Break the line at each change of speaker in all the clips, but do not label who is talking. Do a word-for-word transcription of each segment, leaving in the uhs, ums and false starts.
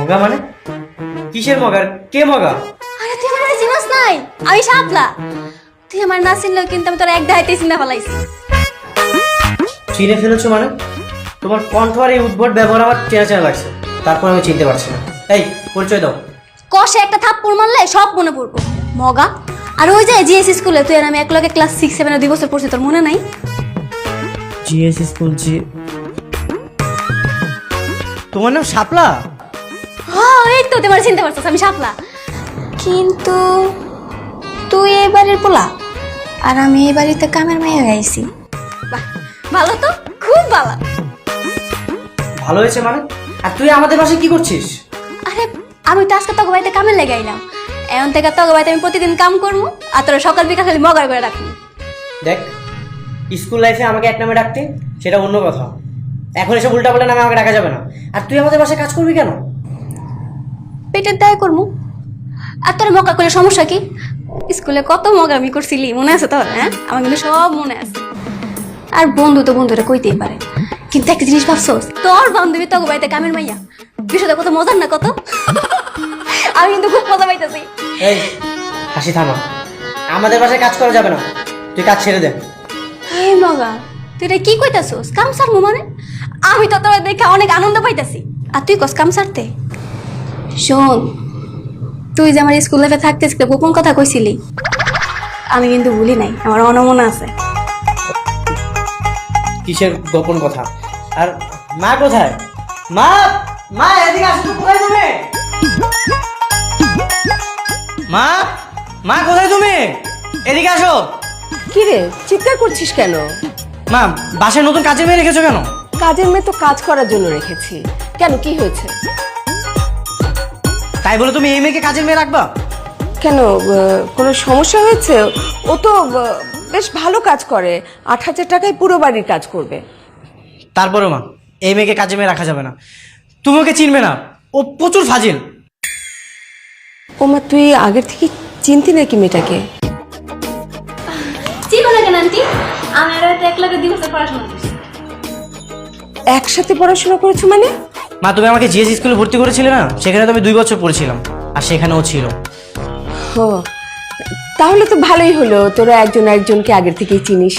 মগা মানে? কিসের মগা? কে মগা?
আরে তুই আমার চিনস নাই, আমি শাপলা। তুই আমার না চিনলেও কিন্তু আমি তোর এক দাইতে চিনা ফেলাইছি।
চিনে ফেলেছো মানে? তোমার কণ্ঠ আর এই উদ্ভট ব্যবহার আমার চেনা চেনা লাগছে, তারপর আমি চিনতে পারছি না। এই পরিচয় দাও।
কষে একটা থাপ্পড় মারলে সব মনে পড়বো। মগা। আর ওই যে জিএস স্কুলে তুই আর আমি এক লগে ক্লাস সিক্স সেভেন দুই বছর পড়ছি, তোর মনে নাই?
জিএস স্কুল জি। তোমার নাম শাপলা?
হ্যাঁ এই তো তোমার চিনতে পারছিস, আমি শাপলা। কিন্তু তুই এই বাড়ির পোলা আর আমি এই বাড়িতে কামের মাইয়া গাইছি। বাহ, ভালো তো, খুব ভালো।
ভালো হয়েছে মানে? আর তুই আমাদের বাসায় কি করছিস?
আরে আমি তো আজকে তোকে বাড়িতে কামে লেগাইলাম, এখন থেকে তোকে বাড়িতে আমি প্রতিদিন কাম করবো আর তোরা সকাল বিকাল খালি মগার করে রাখবি।
দেখ, স্কুল লাইফে আমাকে এক নামে ডাকতে সেটা অন্য কথা, এখন এসব উল্টাপাল্টা নামে আমাকে ডাকা যাবে না। আর তুই আমাদের বাসায় কাজ করবি কেন?
পেটের দায় করবো। আর তোর মগা করে সমস্যা কি? স্কুলে কত মগা আমি করছিলি, মনে আছে তোর? হ্যাঁ, আমার কিন্তু সব মনে আছে। আর বন্ধু তো বন্ধুরা কইতেই পারে, কিন্তু একটা জিনিস ভাবছোস, তোর বান্ধবী তোকে বাড়িতে কামের মাইয়া, বিষয়টা কত মজার না কত? আমি কিন্তু খুব মজা পাইতেছি।
এই হাসি থামা, আমাদের বাসায় কাজ করা যাবে না, তুই কাজ ছেড়ে দে।
এই মগা, তুই এটা কি কইতাছোস? কাম সারমু মানে? আমি তো তোর দেখে অনেক আনন্দ পাইতাছি, আর তুই কস কাম সারতে? শোন, তুই যে আমার স্কুল লাইফে থাকতে গোপন কথা কইছিলি, আমি কিন্তু ভুলি নাই, আমার অনমনা আছে।
কিসের গোপন কথা? আর মা কোথায়? মা, মা এদিকে আসো তো। কোথায় তুমি? মা, মা কোথায় তুমি? এদিকে আসো।
কি রে, চিৎকার করছিস কেন?
মা, বাসায় নতুন কাজের মেয়ে রেখেছো কেন?
কাজের মেয়ে তো কাজ করার জন্য রেখেছি। কেন, কি হয়েছে?
তাই বলে তুমি এই মেয়েকে কাজের মেয়ে রাখবা?
কেন, আহ, কোনো সমস্যা হয়েছে? ও তো আহ, বেশ ভালো কাজ করে, আট হাজার টাকায় পুরো বাড়ির কাজ করবে।
তারপরে মা, এই মেয়েকে কাজের মেয়ে রাখা যাবে না। তুমি ওকে চিনবে না, ও প্রচুর ফাজিল।
ওমা, তুই আগের থেকে চিনতি নাকি মেয়েটাকে?
চিনো না কেন আন্টি? আমি আর হয়তো এক লগে দুই বছর পড়াশোনা করছি।
একসাথে পড়াশোনা করেছো মানে?
মা, তুমি আমাকে জিএস স্কুলে ভর্তি করেছিলে না, সেখানে তো আমি দুই বছর পড়েছিলাম, আর সেখানে ও ছিল।
ও, তাহলে তো ভালোই হলো, তোরা একজন একজনকে আগের থেকেই চিনিস।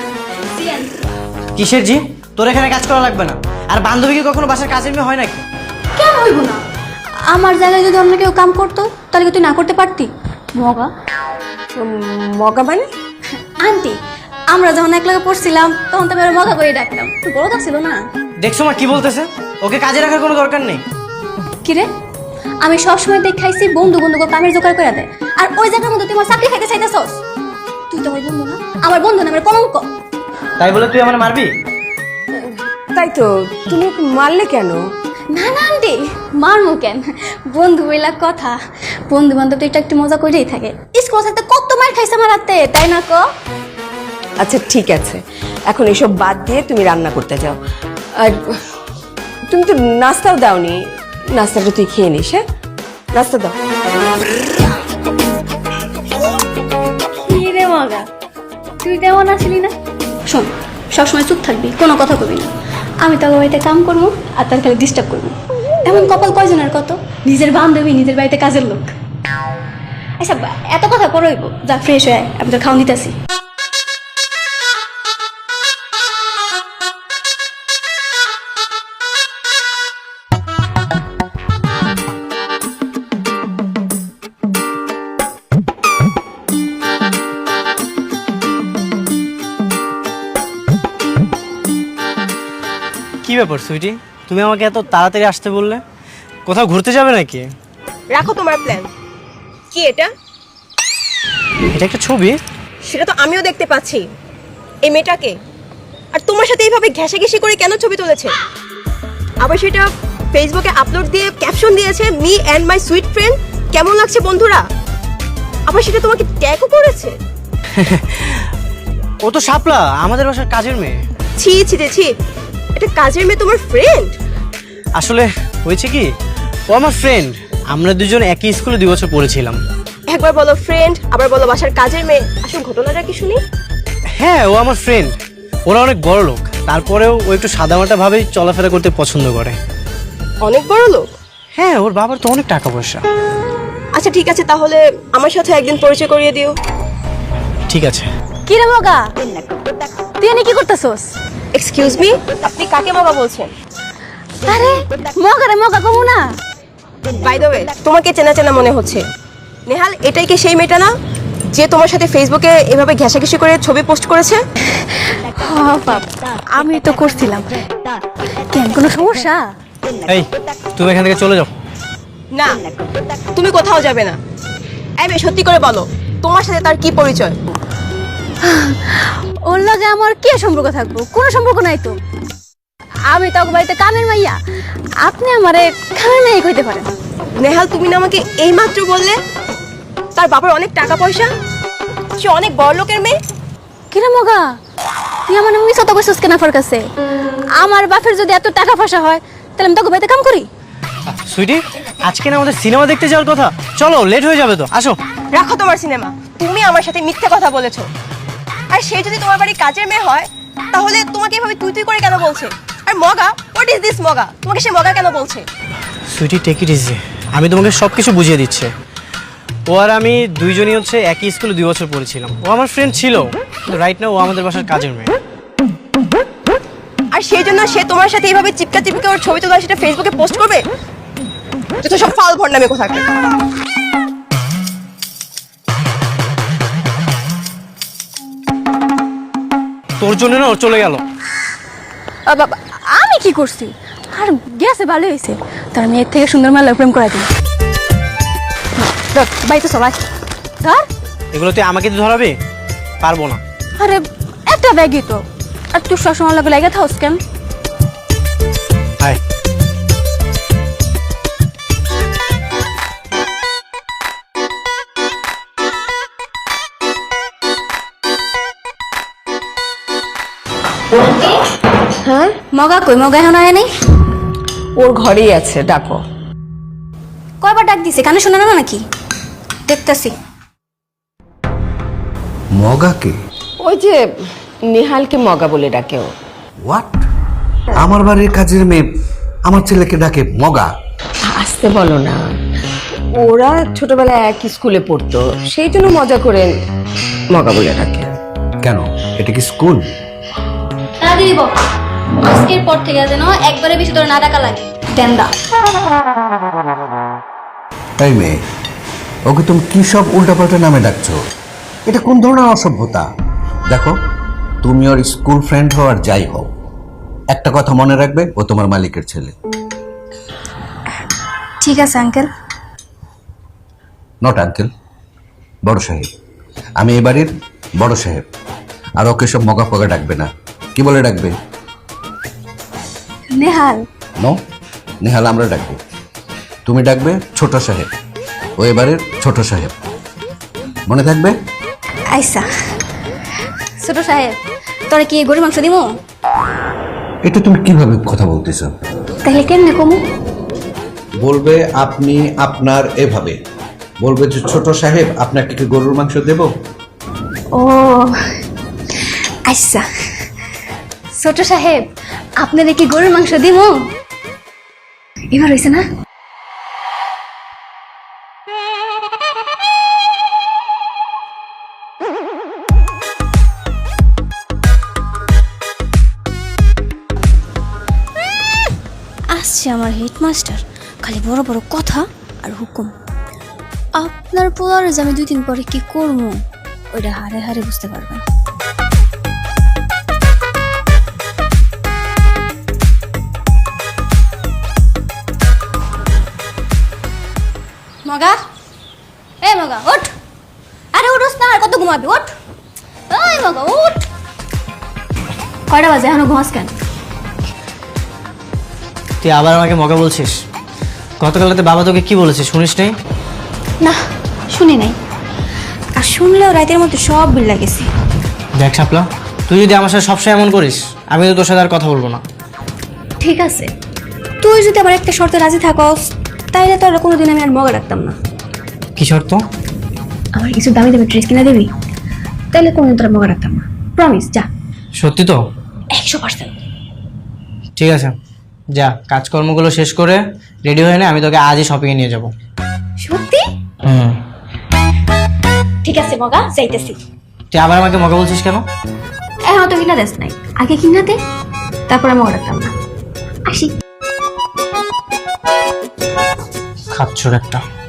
কিসের জি? তোর এখানে কাজ করা লাগবে না। আর বান্ধবী কি কখনো বাসার কাজের মেয়ে হয় নাকি?
কেন হইব না? আমার জায়গায় যদি অন্য কেউ কাম করতো তাহলে কি তুই না করতে পারতি? মগা।
উম, মগা মানে?
আন্টি, আমরা যখন এক লগে পড়ছিলাম তখন তো আমি মগা করে ডাকতাম, তুই বড় ছিল না?
দেখছো মা কি বলতেছে? ওকে কাজে রাখার কোনো দরকার নেই।
কিরে, আমি সবসময় দেখ খাইছি বন্ধু বন্ধুকে কামের জোগাড় করে দেয়, আর ওই জায়গার মধ্যে তুই আমার চাকরি খাইতে চাইতেছস? তুই তো আমার বন্ধু না, আমার বন্ধু না, আমার কলঙ্ক।
তাই বলে তুই আমার মারবি?
তাই তো, তুমি ওকে মারলে কেন?
না না আন্টি, মারমু কেন? বন্ধু বইলা কথা, বন্ধু বান্ধব তো এটা একটু মজা করেই থাকে। স্কুল থাকতে কত মার খাইছে আমার হাতে, তাই না ক?
আচ্ছা ঠিক আছে, এখন এসব বাদ দিয়ে তুমি রান্না করতে যাও। আর তুমি তো নাস্তাও দাওনি, নাস্তাটা তুই খেয়ে নিস। হ্যাঁ, নাস্তা দাও।
কি রে মগা, তুই তেমন আসলি না? শোন, সবসময় চুপ থাকবি, কোনো কথা কবি না। আমি তো বাড়িতে কাম করবো আর তার খালি ডিস্টার্ব করবো। এমন কপাল কয়জনের কত, নিজের বান্ধবী নিজের বাড়িতে কাজের লোক। আচ্ছা এত কথা পড়ইব, যা ফ্রেশ হয়ে আমি তোর খাওয়ান দিতেছি।
কি ব্যাপার সুইটি, তুমি আমাকে এত তাড়াতাড়ি আসতে বললে? কোথাও ঘুরতে যাবে নাকি?
রাখো তোমার প্ল্যান। কি এটা?
এটা একটা ছবি।
সেটা তো আমিও দেখতে পাচ্ছি। এই মেয়েটাকে আর তোমার সাথে এইভাবে ঘেঁষাঘেঁষি করে কেন ছবি তুলেছে? আবার সেটা ফেসবুকে আপলোড দিয়ে ক্যাপশন দিয়েছে, me and my sweet friend. কেমন লাগছে বন্ধুরা? আবার সেটা তোমাকে ট্যাগও করেছে।
ও তো শাপলা, আমাদের বাসার কাজের মেয়ে।
ছি ছি রে ছি, এটা কাজের মেয়ে তোমার ফ্রেন্ড?
আসলে হয়েছে কি, ও আমার ফ্রেন্ড, আমরা দুজন একই স্কুলে দুই বছর পড়েছিলাম।
একবার বলো ফ্রেন্ড, আবার বলো বাসার কাজের মেয়ে। আসল ঘটনাটা কি শুনি?
হ্যাঁ, ও আমার ফ্রেন্ড। ওরা অনেক বড় লোক, তারপরেও ও একটু সাদামাটা ভাবেই চলাফেরা করতে পছন্দ করে।
অনেক বড় লোক?
হ্যাঁ, ওর বাবার তো অনেক টাকা পয়সা।
আচ্ছা ঠিক আছে, তাহলে আমার সাথে একদিন পরিচয় করিয়ে দিও।
ঠিক আছে।
কি রে মগা, তুই এনে কি করতেছস?
এক্সকিউজ মি, আপনি কাকে মগা বলছেন?
আরে মগা রে মগা কমু না।
বাই দ্য ওয়ে, তোমাকে চেনা চেনা মনে হচ্ছে। নেহাল, এটাই কি সেই মেয়েটা না যে তোমার সাথে ফেসবুকে এভাবে ঘেঁষাঘেঁষি করে ছবি পোস্ট করেছে?
হ্যাঁ বাপ, আমি তো করছিলাম। কেন, কোনো সমস্যা?
এই, তুমি এখান থেকে চলে যাও।
না, তুমি কোথাও যাবে না। এই মেয়ে, সত্যি করে বলো, তোমার সাথে তার কি পরিচয়?
ওর লগে আমার কি সম্পর্ক থাকবো? কোনো সম্পর্ক নাই তো। আমি তো ওকে বাড়িতে কামের মাইয়া, আপনি আমারে কামের মাইয়া কইতে পারেন।
নেহাল, তুমি না আমাকে এইমাত্র বললে তার বাবার অনেক টাকা পয়সা, সে অনেক বড় লোকের মেয়ে।
কিরে মগা, তুই আমার মিস তো কইছস কেন আমার কাছে? আমার বাপের যদি এত টাকা পয়সা হয় তাহলে আমি তোকে বাড়িতে কাম করি?
সুইটি, আজকে না আমাদের সিনেমা দেখতে যাওয়ার কথা, চলো, লেট হয়ে যাবে তো, আসো।
রাখো তোমার সিনেমা, তুমি আমার সাথে মিথ্যে কথা বলেছো। আর সে যদি তোমার বাড়ি কাজের মেয়ে হয় তাহলে তোমাকে এভাবে তুই তুই করে কেন বলছে? আর মগা, হোয়াট ইজ দিস মগা? তোমাকে সে মগা কেন বলছে?
সুইটি, টেক ইট ইজি, আমি তোমাকে সব কিছু বুঝিয়ে দিচ্ছি। ও আর আমি দুইজনই হচ্ছে একই স্কুলে দুই বছর পড়েছিলাম। ও আমার ফ্রেন্ড ছিল, কিন্তু রাইট নাও ও আমাদের বাসার কাজের মেয়ে।
আর সেই জন্য সে তোমার সাথে এইভাবে চিপকা চিপকে ওর ছবি তোলা সেটা ফেসবুকে পোস্ট করবে? যত সব ফাল ভন্ডামি কোথাকে।
তোর জন্য না ও চলে গেল।
আ বাবা, আমি কি করছি? আর গেছে ভালো হয়েছে, তার মেয়ের থেকে সুন্দর মেলা প্রেম করা দিই। বাড়িতে সবাই ধর।
এগুলো তুই আমাকে দিয়ে ধরাবি? পারবো না।
আরে একটা ব্যাগই তো, আর তুই সবসময় লাগে লেগে থাকস কেন?
হাই,
হ্যাঁ,
মগা কই? মগা এখন আয় নাই?
ওর ঘরেই আছে, ডাকো।
কয়বার ডাক দিছে, কানে শোনা না নাকি? দেখতেছি।
মগাকে?
ওই যে নেহালকে মগা বলে ডাকে ও।
হোয়াট? আমার বাড়ির কাজের মেয়ে আমার ছেলেকে ডাকে মগা?
আসতে বলো না, ওরা ছোটবেলায় এক স্কুলে পড়তো, সেই জন্য মজা করে মগা বলে ডাকে।
কেন, এটা কি স্কুল?
না দিব, আজকের পর থেকে যেন একবারে বেশি তোর না ডাকা লাগে। টেন্ডা।
তাই মেয়ে, ওকে তুমি কি সব উল্টাপাল্টা নামে ডাকছো? এটা কোন ধরনের অসভ্যতা? দেখো, তুমি ওর স্কুল ফ্রেন্ড হও আর যাই হও, একটা কথা মনে রাখবে, ও তোমার মালিকের ছেলে।
ঠিক আছে আঙ্কেল।
নট আঙ্কেল, বড় সাহেব। আমি এ বাড়ির বড় সাহেব। আর ওকে সব মগা ফগা ডাকবে না। কি বলে ডাকবে?
নেহাল।
নো, নেহাল আমরা ডাকবো। তুমি ডাকবে ছোট সাহেব। ও এবারের ছোট সাহেব, মনে থাকবে?
আইসা। ছোট সাহেব, তোরা কি গরুর মাংস দিমু?
এটা তুমি কিভাবে কথা বলতেছ?
তাহলে কেমনে কমু?
বলবে আপনি আপনার, এভাবে বলবে যে ছোট সাহেব আপনাকে কি গরুর মাংস দেব?
ও আচ্ছা, ছোট সাহেব আপনাদের কি গরুর মাংস দিমু? এবার হয়েছে না? আসছে আমার হেডমাস্টার, খালি বড় বড় কথা আর হুকুম। আপনার পোলার যে আমি দুই দিন পরে কি করবো ওইটা হারে হারে বুঝতে পারবেন। মগা, এই মগা ওঠ। আরে উঠোস না, আর কত ঘুমাবি? ওঠ। এই মগা উঠ। কয়টা বাজে এখনো ঘুমাস কেন?
তুই আবার আমাকে মগা বলছিস? গতকাল রাতে বাবা তোকে কি বলেছে শুনিস নাই?
না, শুনি নাই। আর শুনলেও রাতের মধ্যে সব বিল্লা গেছে।
দেখ শাপলা, তুই যদি আমার সাথে সবসময় এমন করিস, আমি তো তোর সাথে আর কথা বলবো না।
ঠিক আছে, তুই যদি আবার একটা শর্তে রাজি থাকস তাইলে তোর কোনোদিন আমি আর মগা রাখতাম না।
কি শর্ত?
আমার কিছু দামি দামি ড্রেস কিনে দিবি, তাইলে কোনোদিন তোর মগা রাখতাম না। প্রমিস, যা।
সত্যি তো?
একশো পার্সেন্ট।
ঠিক আছে, যা কাজকর্মগুলো শেষ করে রেডি হয়ে নে, আমি তোকে আজই শপিংয়ে নিয়ে যাব।
সত্যি?
হুম।
ঠিক আছে মগা, যাইতেছি।
তুই আবার আমাকে মগা বলছিস কেন?
এখন তো কিনা দেশ নাই, আগে কিনা দে, তারপরে মগা রাখতাম না। আসি।
খাচ্ছর একটা।